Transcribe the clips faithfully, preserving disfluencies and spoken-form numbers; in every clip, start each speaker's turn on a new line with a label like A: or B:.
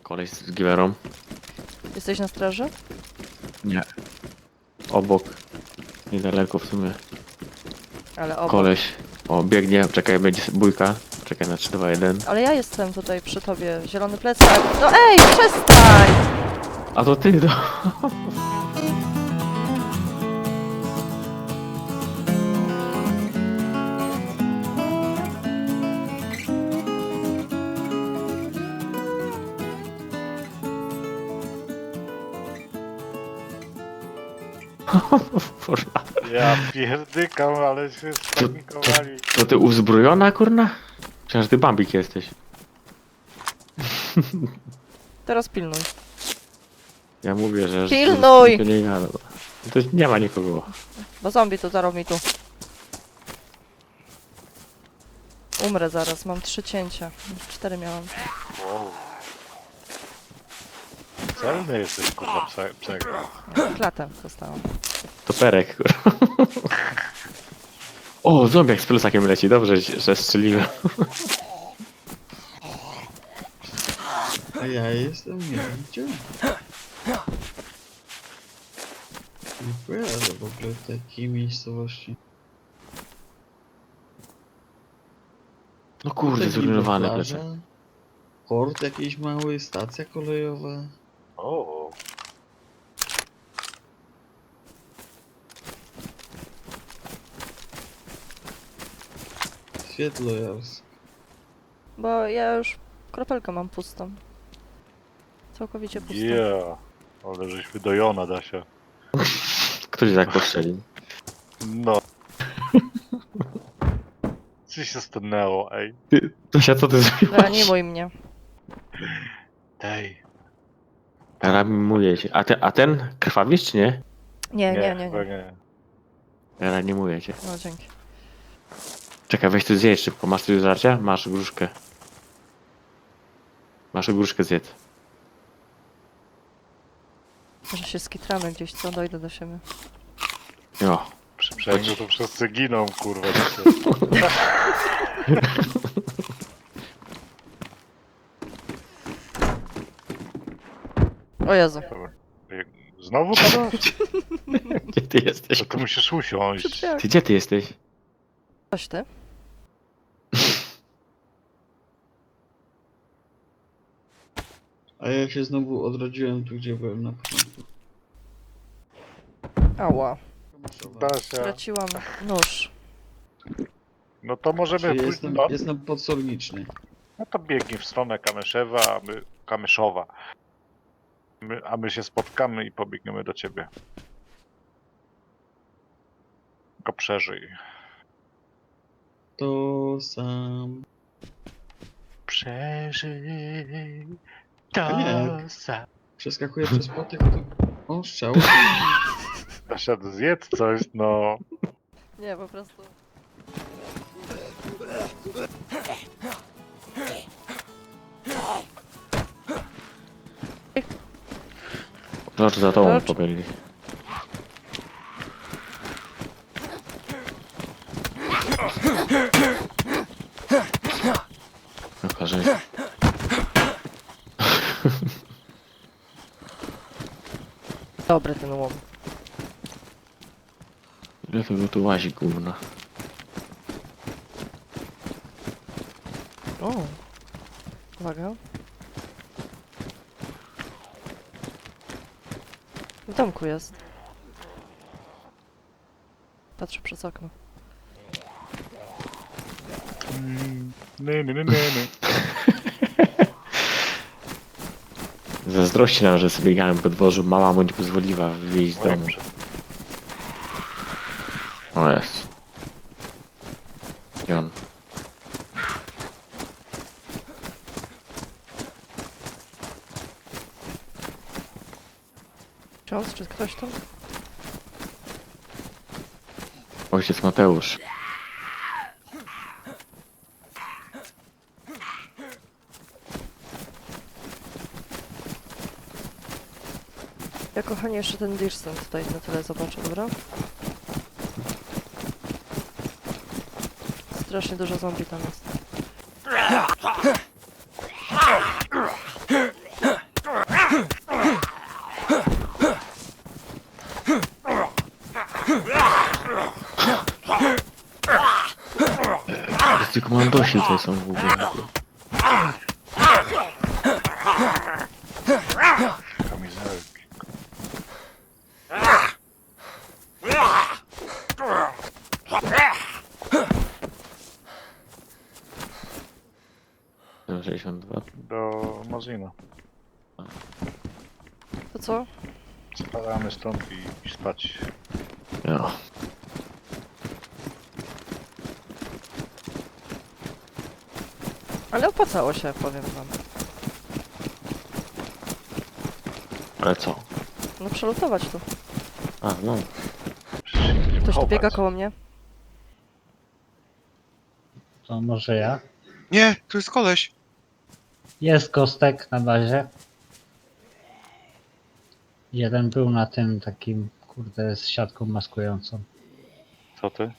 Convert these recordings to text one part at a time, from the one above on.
A: Koleś z giwerą.
B: Jesteś na straży?
A: Nie. Obok. Niedaleko w sumie.
B: Ale obok.
A: Koleś. O, biegnie. Czekaj, będzie bójka. Czekaj na trzy, dwa, jeden.
B: Ale ja jestem tutaj przy tobie. Zielony plecak. No ej, przestań!
A: A to ty, no. Kurwa.
C: Ja pierdykam, ale się spanikowali.
A: To ty uzbrojona, kurna? Przecież ty Bambik jesteś.
B: Teraz pilnuj.
A: Ja mówię, że...
B: Pilnuj!
A: że nie, gada. To nie ma nikogo.
B: Bo zombie tu zarobi tu. Umrę zaraz, mam trzy cięcia. Cztery miałam.
C: Wow. Celny jesteś, kurwa, pse, psego.
B: Klatę dostałam.
A: To perek, kurwa. O, zombiak z plusakiem leci. Dobrze, że strzeliłem.
D: A ja jestem nie wiem gdzie. Nie kojarzę w ogóle takiej miejscowości.
A: No kurde,
D: Tutaj
A: zrujnowane
D: plaża,
A: plecy.
D: port jakiś mały, stacja kolejowa.
C: O,
D: Świetlojars.
B: Bo ja już kropelkę mam pustą. Całkowicie pustą.
C: yeah. Ale żeś wydojona, Dasia.
A: Ktoś tak postrzelił.
C: No. Co się stanęło, ej?
A: Ty, Tosia, co ty zrobiłaś?
B: Reanimuj mnie.
C: Ej.
A: Reanimuję cię. A, te, a ten krwawisz, czy nie?
B: Nie, nie, nie,
C: chyba
B: nie.
C: nie.
A: Reanimuję cię.
B: No dzięki.
A: Czekaj, weź tu zjedz szybko. Masz tu do żarcia? Masz gruszkę. Masz gruszkę zjedz.
B: Może się skitramy gdzieś, co? Dojdę do siebie.
A: Jo.
C: Przy przejściu to wszyscy giną, kurwa. Dzisiaj.
B: O Jezu.
C: Dobra. Znowu padasz?
A: Gdzie ty jesteś?
C: To ty musisz usiąść.
A: Ty gdzie ty jesteś?
B: Coś ty?
D: A ja się znowu odrodziłem tu, gdzie byłem na początku.
B: Ała.
C: Dasia.
B: Straciłam nóż.
C: No to możemy
D: Czyli
C: pójść.
D: jestem,
C: No,
D: jestem podsolniczny.
C: no to biegnij w stronę Kamyszewa, a my. Kamyszowa. My, a my się spotkamy i pobiegniemy do ciebie. Tylko przeżyj.
D: To sam.
C: Przeżyj.
D: A
C: To
D: nie.
C: sam.
D: Przeskakuję przez płotek, to... O, strzał.
C: Dasia, zjedz coś, no.
B: Nie, po prostu.
A: Znaczy za tobą
B: Dobrze.
A: pobiegli. Pokażę.
B: Dobry ten łom.
A: Ile tego tu łazi, gówno?
B: O. Uwaga. W domku jest. Patrzę przez okno.
C: Nie, nie, nie, nie, nie.
A: Zazdrości nam, że sobie biegałem po dworzu. Mama mu nie pozwoliła wyjść z domu. O jest. I on.
B: Ksiądz, czy ktoś tam?
A: Ojciec Mateusz.
B: Ja kochanie jeszcze ten Dirsen tutaj na tyle zobaczę, dobra? Strasznie dużo zombie tam jest.
A: Komandosi tutaj są w ogóle.
C: Kamizelki.
A: sześćdziesiąt dwa.
C: Do Mazina.
B: To co?
C: Spadamy stąd i, i spać.
A: No.
B: Ale opłacało się, powiem wam.
A: Ale co?
B: No przelutować tu.
A: A, no.
C: Przecież się nie będziemy
B: Ktoś tu
C: chować.
B: biega koło mnie.
E: To może ja?
F: Nie, tu jest koleś.
E: Jest kostek na bazie. Jeden był na tym takim, kurde, z siatką maskującą.
C: Co ty?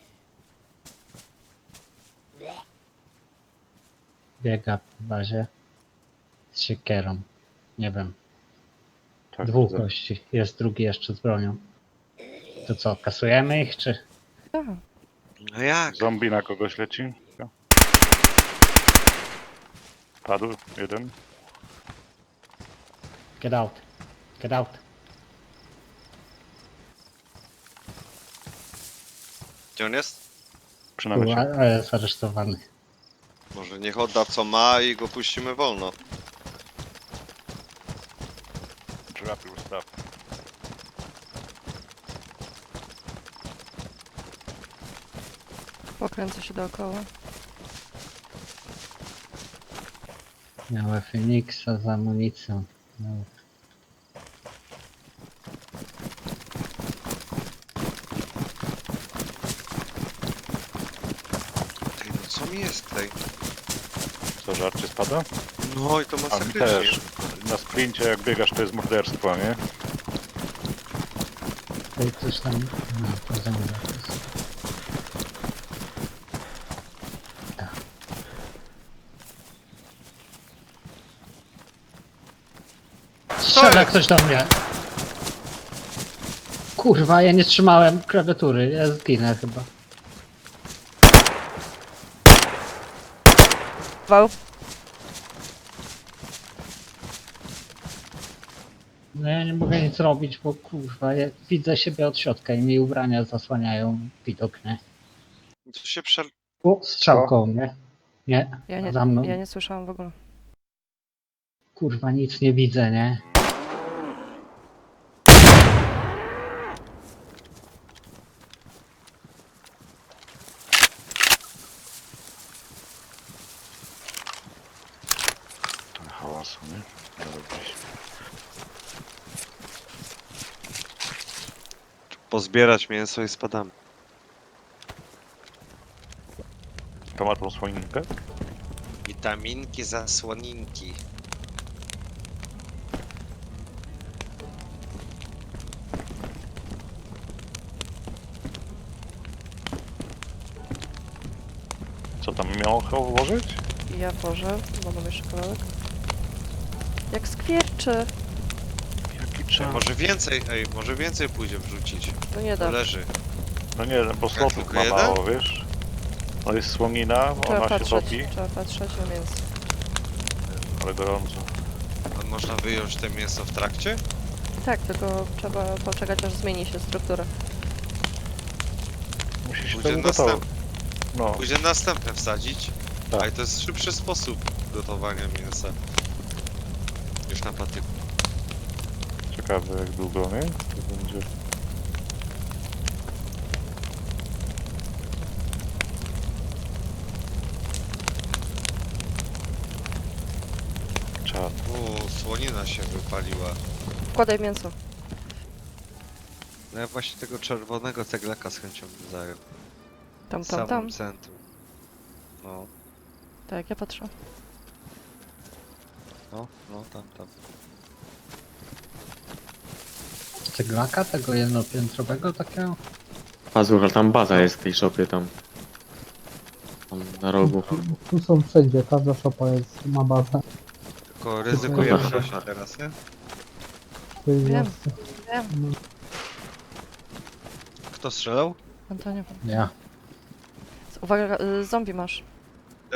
E: Biega w bazie z siekierą. Nie wiem,
C: Tak,
E: dwóch
C: za-
E: gości. Jest drugi jeszcze z bronią. To co, kasujemy ich, czy?
B: Tak.
F: No jak?
C: Zombie na kogoś leci. Padł jeden.
E: Get out. Get out.
F: Gdzie on jest?
C: Przy
E: Tu,
C: namiocie.
E: a, a jest aresztowany.
F: Może niech odda co ma i go puścimy wolno.
C: Trafił staw.
B: Pokręcę się dookoła.
E: Miała Feniksa z amunicją. No.
F: Ej, no co mi jest tutaj?
C: Co, żarcie spada?
F: No i to
C: A mi
F: masakrycznie.
C: też. Na sprincie jak biegasz to jest morderstwo, nie?
E: Tutaj coś tam... No, to zamówię. Strzela ktoś do mnie. Kurwa, ja nie trzymałem klawiatury, ja zginę chyba.
B: Wał.
E: No ja nie mogę nic robić, bo kurwa, ja widzę siebie od środka i mi ubrania zasłaniają widok, nie?
F: To się prze...
E: O, strzał koło mnie. Nie,
B: Ja nie,
E: za mną.
B: ja nie słyszałam w ogóle.
E: Kurwa, nic nie widzę, nie?
C: Ten hałasu, nie? Dobrze.
F: pozbierać mięso i spadamy.
C: To ma tą słoninkę?
F: Witaminki, zasłoninki.
C: Co tam miało chyba włożyć?
B: I ja włożę, bo mam jeszcze kawałek. Jak skwierczy!
C: Jaki
F: Ej,
C: czas?
F: może więcej, ej, może więcej pójdzie wrzucić.
B: No nie
F: To
B: da.
F: leży.
C: No nie, bo slotów
F: tylko
C: ma
F: jeden?
C: mało, wiesz? To jest słonina,
B: Trzeba
C: ona się
B: patrzeć,
C: topi,
B: trzeba patrzeć na mięso.
C: ale gorąco.
F: A można wyjąć te mięso w trakcie?
B: Tak, tylko trzeba poczekać aż zmieni się struktura.
C: Musi się
F: Pójdzie
C: to ugotować.
F: następny.
C: No,
F: Pójdzie następne wsadzić.
C: Tak.
F: A i to jest szybszy sposób gotowania mięsa. Już na patyku.
C: ciekawe jak długo, nie? To będzie... Czad.
F: O, słonina się wypaliła.
B: Wkładaj mięso.
F: No ja właśnie tego czerwonego ceglaka z chęcią bym zajął.
B: Tam,
F: W
B: tam,
F: samym
B: tam.
F: centrum. No,
B: Tak, ja patrzę.
F: no, no, tam, tam.
E: Ceglaka tego jednopiętrowego takiego?
A: Pazur, ale tam baza jest w tej szopie tam. Tam na rogu.
G: Tu są wszędzie, każda szopa jest, ma bazę.
F: Tylko ryzykujemy
A: Dobra.
F: właśnie teraz, nie?
G: To jest
B: Wiem.
G: jasne.
B: Wiem.
F: Kto strzelał?
B: Antonio.
E: Ja.
B: Uwaga, y, zombie masz.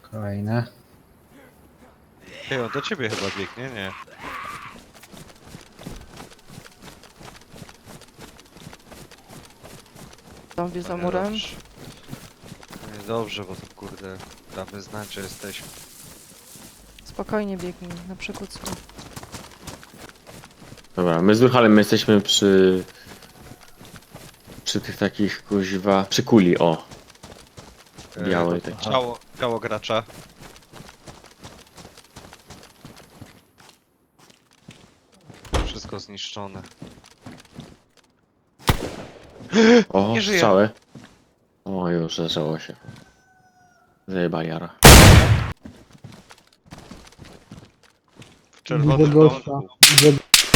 E: Kolejne.
F: Ej, on do ciebie chyba biegnie, nie?
B: Zombie za
F: Nie,
B: murem.
F: dobrze. Nie, dobrze, bo to kurde, damy znać, że jesteśmy.
B: Spokojnie biegnij, na przekucku.
A: Dobra, my z Durhalem jesteśmy przy... Przy tych takich kuźwa... Przy kuli, o.
F: E,
A: Białej
F: to-
A: tej.
F: Ciało, ciało gracza. Wszystko zniszczone.
A: O,
F: Nie żyje.
A: strzały. O, już zaczęło się. Zajebali jara.
F: W
G: Widzę
F: czerwonym
G: gościa.
F: domku.
G: Widzę...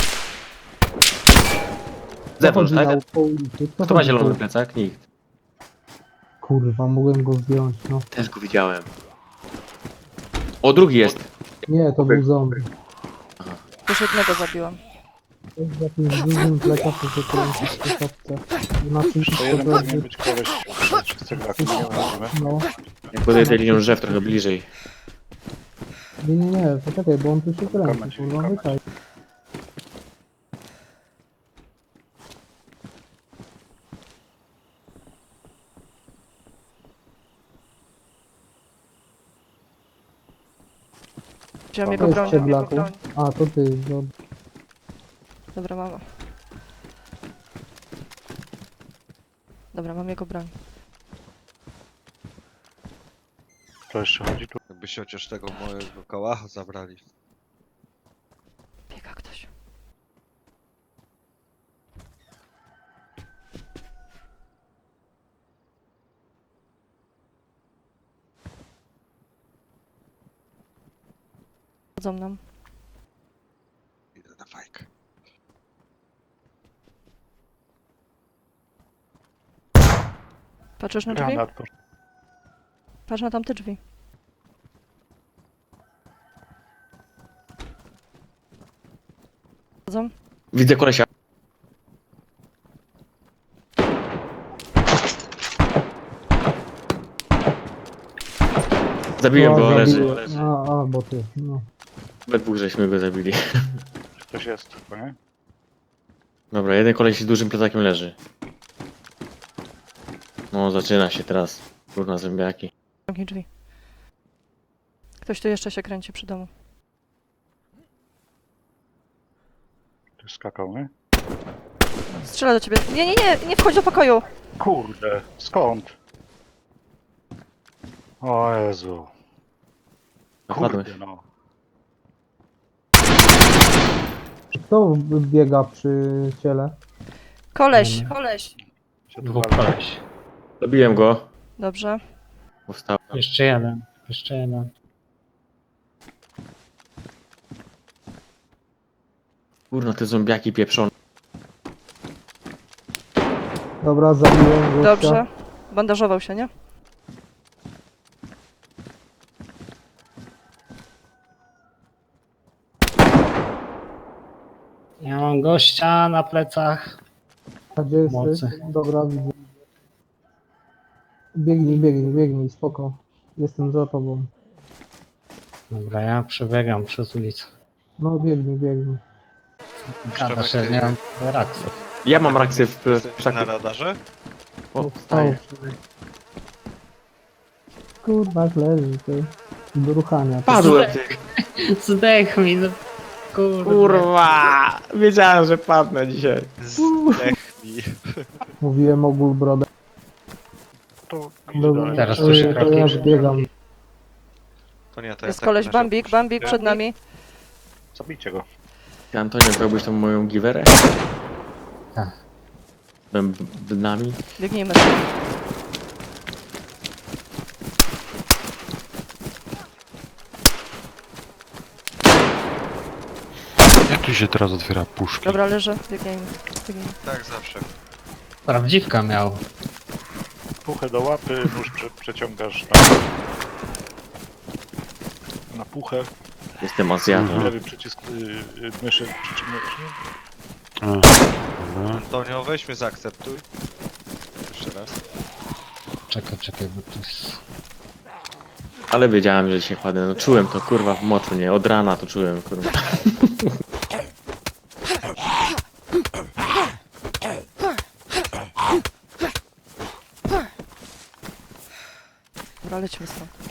A: Zewnątrz,
G: Chodzi
A: tak?
G: na po ulicy. Kto
A: Kto ma
G: chodzi
A: zielony
G: po-
A: plecak? Nikt.
G: Kurwa, mogłem go zdjąć, no.
A: Też go widziałem. O, drugi jest.
G: Nie, to był zombie.
B: Już jednego zabiłam.
G: To jest jakimś dużym plekatem, że kręci w tej szopce. Na czymś
C: To
G: to
C: jeden powinien
G: będzie...
C: być koleś, wszyscy graki, nie możemy.
G: No.
A: Jak podejdę linią drzew trochę bliżej.
G: Nie, nie, nie, poczekaj, bo on tu się
C: Kamać,
G: kręci, kurwa,
C: kamać.
G: wyczaj.
B: Wziąłem
G: To
B: jego
G: jest
B: broń, wziąłem jego
G: Ceblaku.
B: broń.
G: A, to ty, no.
B: Dobra, mama. Dobra, mam jego broń.
C: To jeszcze chodzi tu.
F: Jakby się chociaż tego mojego kałacha zabrali.
B: Biega ktoś. Chodzą nam.
F: Idę na fajkę.
B: Patrzysz na drzwi?
C: Granat, proszę.
B: Patrz na tamte drzwi. Chodzą?
A: Widzę kolesia. Zabiłem
G: No,
A: go, leży.
G: zabiję.
A: leży.
G: A, a, bo ty, no.
A: We dwóch żeśmy go zabili.
C: Ktoś jest, chyba, nie?
A: Dobra, jeden koleś z dużym plecakiem leży. No, zaczyna się teraz. Kurna zębiaki.
B: Zamknij drzwi. Ktoś tu jeszcze się kręci przy domu.
C: Ktoś skakał, nie?
B: Strzela do ciebie. Nie, nie, nie, nie wchodź do pokoju.
C: Kurde, skąd? O Jezu.
A: Napadłeś.
C: Kurde, no.
G: Kto biega przy ciele?
B: Koleś,
E: Nie,
B: koleś.
C: Się tu
E: Dwóch
C: walczy.
E: koleś.
A: Zabiłem go.
B: Dobrze.
A: Powstał.
E: Jeszcze jeden. Jeszcze jeden.
A: Kurna, te zombiaki pieprzone.
G: Dobra, zabiłem gościa.
B: Dobrze. Bandażował się, nie?
E: Ja mam gościa na plecach.
G: A gdzie jesteś?
E: Mocy.
G: Dobra, widzę. Biegnij, biegnij, biegnij, spoko. Jestem za tobą.
E: Dobra, ja przebiegam przez ulicę.
G: No, biegnij, biegnij.
E: Gada się, nie mam reakcji.
A: Ja mam reakcję w
F: Jesteś
A: plecaku.
F: na radarze?
A: O,
G: Wstał.
A: wstaję.
G: Kurwa, leży, ty. Do ruchania.
A: Padłem ty.
E: Zdech mi, no kurde.
A: Kurwa! Wiedziałem, że padnę dzisiaj.
F: Zdechnij.
G: Mówiłem o brodę.
C: To
G: Dobra,
E: Teraz
G: to,
E: słyszę
G: to
E: kroki.
G: ja biegam.
F: To nie, to ja
B: Jest
F: tak
B: koleś
F: na
B: Bambik,
F: razie
B: Bambik
F: opuszczę.
B: przed nami.
C: Zabijcie go.
A: Ty, Antonio, brałbyś tą moją giwerę?
E: Tak.
A: Bębnami?
B: Biegnijmy.
H: Jak tu się teraz otwiera puszki?
B: Dobra, leży. Biegniemy. Biegniemy.
F: Tak, zawsze.
E: Prawdziwka miał.
C: Puchę do łapy, nóż prze, przeciągasz na... Na puchę.
A: Jestem Azjatą.
C: Lewy przycisk y, y, myszy przytrzymujesz.
H: A, dobra.
F: Antonio, weź mnie zaakceptuj. Jeszcze raz.
E: Czekaj, czekaj, bo to jest...
A: Ale wiedziałem, że się kładę. No czułem to kurwa w moczu, nie? Od rana to czułem, kurwa.
B: Dobra, lećmy stąd.